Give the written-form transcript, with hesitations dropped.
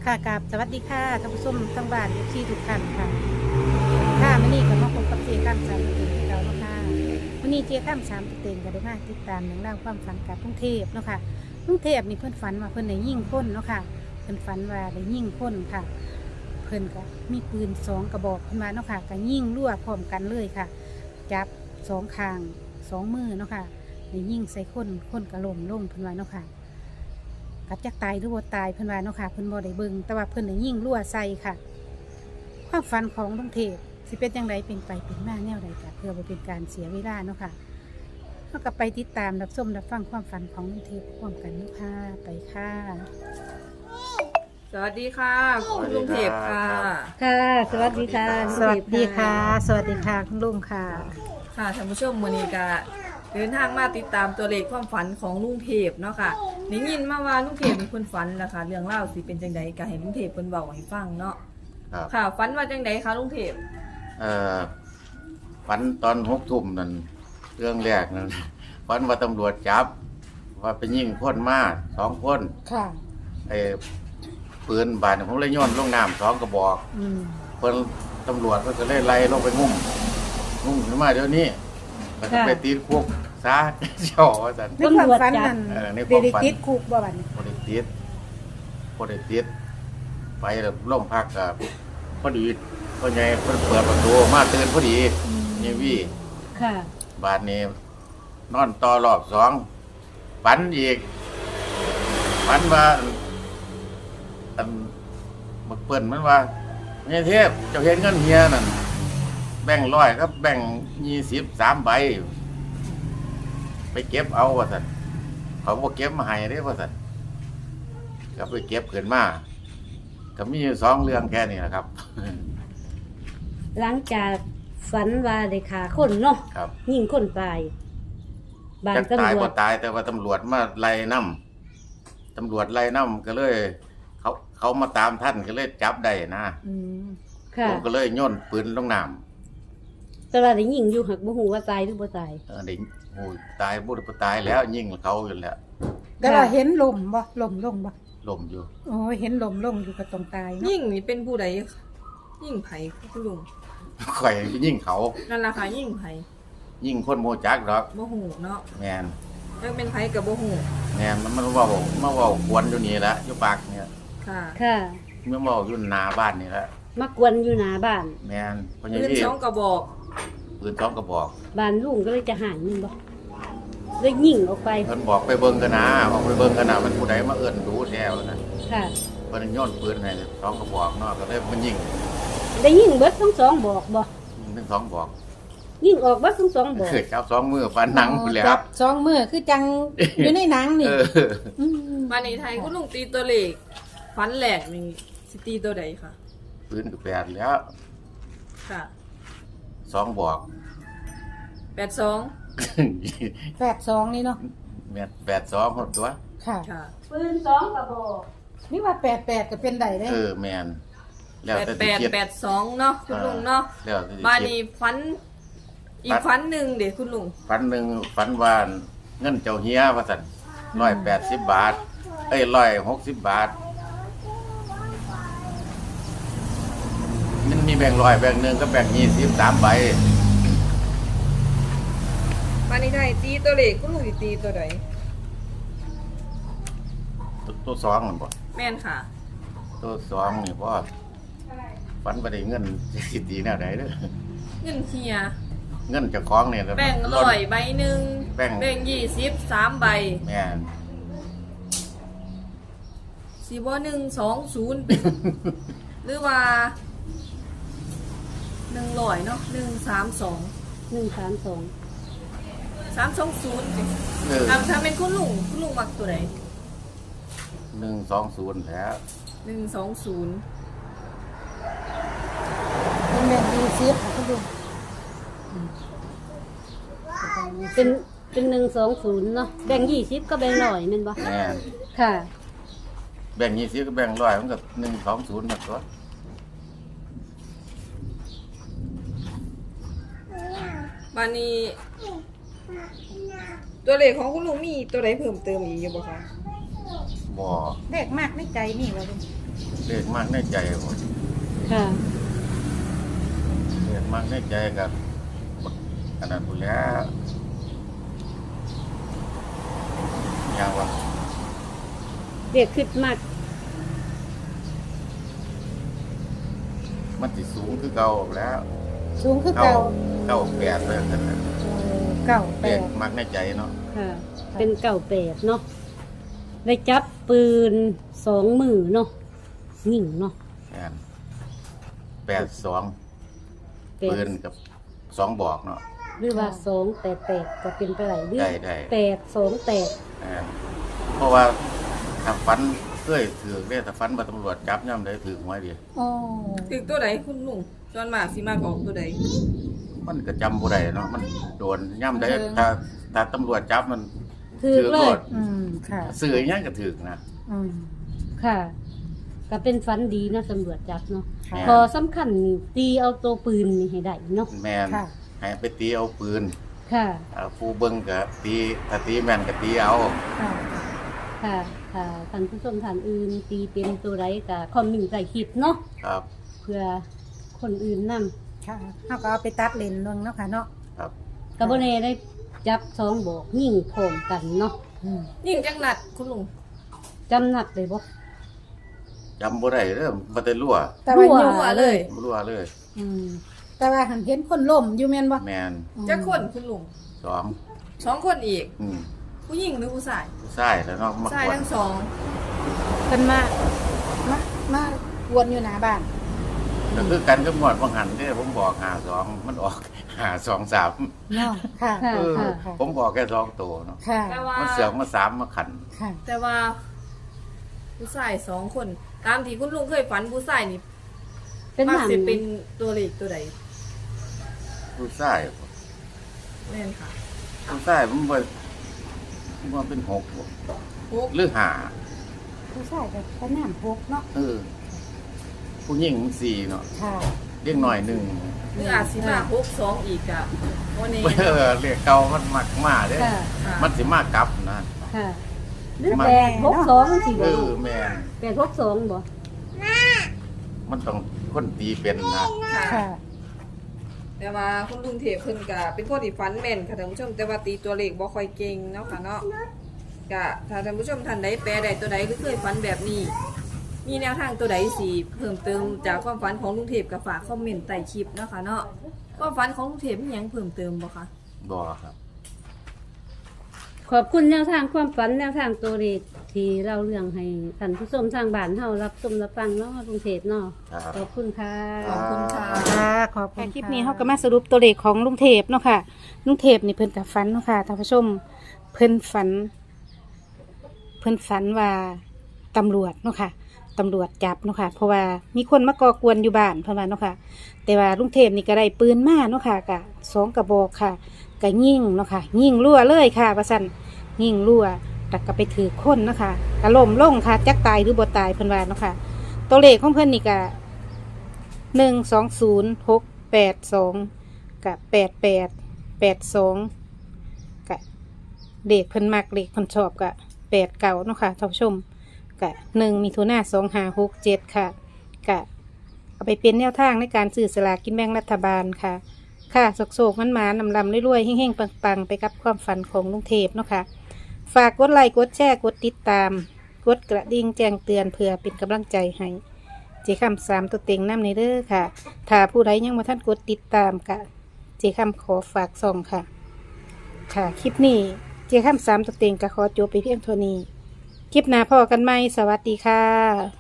ค่ะกับสวัสดีค่ะท่านผู้ชมทั้งบ้านที่ทุกท่านค่ะค่ะมื่อนี้ก็มาพบกับเจ๊ข้ามสามประเด็นที่เราเนาะค่ะมื่อนี้เจ๊ข้ามสามประเด็นก็ได้มาติดตามเรื่องราวความฝันกับกรุงเทพเนาะค่ะกรุงเทพนี่เพิ่นฝันว่าเพิ่นได้ยิงคนเนาะค่ะเพิ่นฝันว่าได้ยิงคนค่ะ เพิ่นก็มีปืน2 กระบอกขึ้นมาเนาะค่ะก็ยิงรั่วพร้อมกันเลยค่ะ จับ2 ข้าง2 มือเนาะค่ะได้ยิงใส่คนก็ล้มลงเพิ่นว่าเนาะค่ะ กัดจักตายหรือบ่ตายเพิ่นว่าเนาะค่ะเพิ่นบ่ได้เบิ่งแต่ว่าเพิ่นได้ยิงรั่วใส่ค่ะ ความฝันของลุงเทพสิเป็นจังไดเป็นไปเป็นมาแนวใดก็เพื่อบ่เป็นการเสียเวลาเนาะค่ะเฮาก็ไปติดตามรับชมรับฟังความฝันของลุงเทพพร้อมกันเนาะค่ะไปค่ะสวัสดีค่ะคุณลุงเทพค่ะค่ะ สวัสดีค่ะ สวัสดีค่ะ สวัสดีค่ะคุณลุงค่ะค่ะท่านผู้ชมมื้อนี้ก็เดินทางมาติดตามตัวเลขความฝันของลุงเทพเนาะค่ะได้ยินมาว่าลุงเทพมีคนฝันแล้วค่ะเรื่องเล่าวสิเป็นจังใดก็ให้ลุงเทพเพิ่นเว้าให้ฟังเนาะครับค่ะฝันว่าจังใดคะลุงเทพเอ่อฝันตอน6 ทุ่มนั่นเรื่องแรกนั่นฝันว่าตำรวจจับ ว่าไปยิงคนมา2 คนค่ะไอ้ปืนบาดผมเลยโย้อนลงน้ำ2 กระบอกอืมเพิ่นตำรวจก็จะเลยไล่ลงไปงุ่มขึ้นมาเดี๋ยวนี้แล้วก็ไปตีคุกซะ เจ้าว่าซั่นในความฝันนั่นในความฝันเดติดคุกบ่บัดนี้บ่ได้ติดไปแล้วโรงพักก็พอดีพ่อใหญ่เพิ่นเปิดประตูมาตื่นพอดีนี่วี่ค่ะบาดนี้นอนต่อรอบ2ฝันอีกฝันว่าอันบักเปิ้นมันว่าเนี่ยเทพเจ้าเห็นเงินเฮียนั่นแบ่งค์100กับแบ่งค์20 3 ใบ ไปเก็บเอาว่าซั่นเขาบ่เก็บมาให้เด้ว่าซั่นก็ไปเก็บขึ้นมาก็มีอยู่2 เรื่องแค่นี้นะครับหลังจากฝันว่าได้ฆ่าคนเนาะครับยิงคนตายบ้านจักตายตำรวบ่จตายแต่ว่าตำรวจมาไล่นํตำรวจไล่นํก็เลย เขามาตามท่านก็เลยจับได้นะอืมค่ะผมก็เลยโยนปืนลงน้แต่ว่าได้ยิงอยู่หักบ่ฮู้ว่าตายหรือบ่ตายำเด็กโอ้ยตายบ่ได้บ่ตายแล้วยิงเขาอยู่แล้วแต่ว่าเห็นลมบ่ลมลงบ่ล้มอยู่โอ้ยเห็นลมลงอยู่ก็ต้องตายเนาะยิ่งนี่เป็นผู้ใดยิ่งไผคุณลุงข่อยไปยิงเขานั่นล่ะค่ะยิ่งไผยิงคนโมจักดอกบ่ฮู้เนาะแม่นยังเป็นไผก็บ่ฮู้แม่นมันเว้ามาเว้าควนอยู่นี่ละอยู่ปากเนี่ยค่ะค่ะมันเว้าอยู่หน้าบ้านนี่ละมากวนอยู่หน้าบ้านแม่นเพราะอย่างปืนที่ 2กระบอกปืน2 กระบอกบ้านลุงก็เลยจะหายยิงบ่เลยยิงออกไปเพิ่นบอกไปเบิ่งกันนะออกไปเบิ่งกันนะมันผู้ใดมาเอิ้นดูแท้ว่าซั่นค่ะเพิ่นโยนปืนให้2 กระบอกเนาะก็เลยมันยิงได้ยิงเบิดทั้งสองบอกบ่ยิงทั้ง2 บอกยิงออกเบิดทั้งสองบอกคือจับ2 มือฟันหนังพุ่นแหล้วจับ2 มือคือจัง อยู่ในหนังนี่เออมมาในไทยคุณลุงตีตัวเลขฝันแหลกนี่สิตีตัวใดคะปืนก็แปดแล้วค่ะ 2 บอก 82 82นี่เนาะแม่น82หมดตัวค่ะค่ะปืน2กระบอกนี่ว่า88ก็เป็นได้เด้แม่นแล้วแต่สิคิด 8882เนาะคุณลุงเนาะแล้วแต่สิบ้านคิดนี้ฝันอีกฝันหนึ่งเด็กคุณลุงฝันหนึ่งฝันว่าเงินเจ้าเฮียว่าซั่น180 บาท 160 บาท มันมีแบ่งค์100แบ่งค์1ก็แบ่งค์20 3 ใบบ้านนี้ไทยตีตัวเลขคุณลุงสิตีตัวใดตัวสองมันบ่แม่นค่ะตัวสองนี่บ่ฝันบ่ได้เงินสิตีแนวใดเด้อเงินเฮียเงินเจ้าของนี่แบ่งร้อยใบหนึ่งแบ่งแบ่ง20 3 ใบแม่นสิบ่120เป็น หรือว่า100เนาะ132 132 320สิเออถ้าเป็นคุณลุงมักตัวไหน 120แล้ว 120 เป็นแม่นดีเสียค่ะคุณลุงเป็น120เนาะแบ่ง20ก็แบ่ง100แม่นบ่แม่นค่ะแบ่ง20ก็แบ่ง100มันก็120หมดตัวบ้านนี้ ตัวเลขของคุณลุงมีตัวใดเพิ่มเติมอีกอยู่บ่คะบ่เลขมากในใจนี่ว่าลุงเลขมากในใจผมค่ะเลขมากในใจกับอันนั้นพูดแล้วอย่างว่าเด็กขึ้นมากมันสิสูงคือเก่าแล้วสูงคือเก่าเก้าแปดเลยนั่นแหละเก่าแปเลขดมากในใจเนาะค่ะ เป็นเก่าแปดเนาะได้จับปืน2 มือเนาะยิงเนาะแม่น82 แปปืดนกับ2บอกเนาะหรือว่า288ก็เป็นไปได้หรือได้ 828 แม่นเพราะว่าถ้าฟันเคยถือเรียกแต่ฟันมาตำรวจจับย่ำได้ถือหวยดีโอ้ถึงตัวใดคุณลุงจอนมากสิมากออกตัวใดมันก็จำบ่ได้เนาะมันโดนย่ำได้ถ้าตำรวจจับมันถือเลโทยษค่ะสื่ออยังก็ถือนะค่ะ ก็เป็นฝันดีนะตำรวจจับเนาะค่ะพอสำคัญนี่ตีเอาตัวปืนนี่ให้ได้เนาะแมนค่ะให้ไปตีเอาปืนค่ะผู้เบิ้งก็ตีถ้าตีแม่นก็ตีเอาค่ะค่ะค่ะท่านผู้ชมท่านอื่นตีเป็นตัวไรก็คอมเมนต์ใส่คลิปเนาะครับเพื่อคนอื่นนํค่ะเขาก็เอาไปตัดเลนส์ลงเนาะค่ะเนาะครับกระบเนได้จับ2บอกยิงพร้อมกันเนาะยิ่งจังหนัดคุณลุงจำนัดเลยบ่จำบ่ได้เด้อบ่ได้รั่วแต่ว่ารั่วอยู่หัวเลยบ่รั่วเลยอืมแต่ว่าหันเห็นคนล่มอยู่แม่นบ่แมนจะคนคุณลุง 2 2 คนอีกอืมผู้หญิงหรือผู้ชายผู้ชายแล้วเนาะมาชายกวทั้นงสองเพิ่นมาวนอยู่หน้าบ้านก็คือกันกับงวดบางหันเด้อผมบอก52มันออก523 เนาะค่ะค่ะเออค่ะผมบอกแค่2ตัวเนาะค่ะแต่ว่ามันเสือกมา3มาขันค่ะแต่ว่า ผู้ชาย2 คน ตามที่คุณลุงเคยฝันผู้ชายนี่เป็นมักหำสิเป็นตัวเลขตัวใดผู้ชายแม่นค่ะผู้ชายมันบ่เป็น6บ่ 6 หรือห้าผู้ชายก็พน้ำพกเนาะผู้หญิง4เนาะค่ะเรียกหน่อยหนึ่งหรืออาจสิมา6 2อีกอ่ะวันนี้เรียกเก่ามันมักมาเด้ค่ะมันสิมากลับนะค่ะหรือ862สิบ่แม่น 862บ่มันต้องคนตีเป็นนะค่ะค่ะแต่ว่าคุณลุงเทพเพิ่นก็เป็นคนที่ฝันแม่นค่ะท่านผู้ชมแต่ว่าตีตัวเลขบ่ค่อยเก่งเนาะค่ะเนาะก็ถ้าท่านผู้ชมท่านใดแปลใดตัวใดก็เคยฝันแบบนี้ มีแนวทางตัวใดสิเพิ่มเติมจากความฝันของลุงเทพก็ฝากคอมเมนต์ใต้คลิปเนาะค่ะเนาะความฝันของลุงเทพมีหยังเพิ่มเติมบ่คะบ่ครับขอบคุณแนวทางความฝันแนวทางตัวเลขที่เราเรื่องให้ท่านผู้ชมทางบ้านเฮารับชมรับฟังเนาะกรุงเทพเนาะครับขอบคุณค่ะขอบคุณค่ะค่ะขอบคุณคลิปนี้เขาก็มาสรุปตัวเลขของลุงเทพเนาะค่ะลุงเทพนี่เพิ่นกับฝันเนาะค่ะท่านผู้ชมเพิ่นฝันว่าตำรวจเนาะค่ะตำรวจจับเนาะค่ะเพราะว่ามีคนมาก่อกวนอยู่บ้านเพิ่นว่าเนาะค่ะแต่ว่าลุงเทพนี่ก็ได้ปืนมาเนาะค่ะกะ2 กระบอกค่ะก็ยิงเนาะค่ะยิงรั่วเลยค่ะว่าซั่นยิงรั่วแต่ก็ไปถือคนเนาะค่ะก็ล้มลงค่ะจักตายหรือบ่ตายเพิ่นว่าเนาะค่ะตัวเลขของเพิ่นนี่ก็ 120-682กับ8882กับเด็กเพิ่นมักเด็กเพิ่นชอบกับ89เนาะค่ะท่านผู้ชมกับ1 มิถุนายน 2567ค่ะกับเอาไปเป็นแนวทางในการซื้อสลากกินแบ่งรัฐบาลค่ะค่ะโศกๆมันมานำลำรวยๆเฮ่งๆปังๆไปกับความฝันของลุงเทพเนาะค่ะฝากกดไลค์กดแชร์กดติดตามกดกระดิ่งแจ้งเตือนเพื่อเป็นกำลังใจให้เจคำ3ตัวเต็งน้ำในเด้อค่ะถ้าผู้ใดยังมาท่านกดติดตามค่ะเจคำขอฝากส่องค่ะค่ะคลิปนี้เจคำ3ตัวเต็งก็ขอจบไปเพียงเท่านี้คลิปหน้าพอกันไหมสวัสดีค่ะ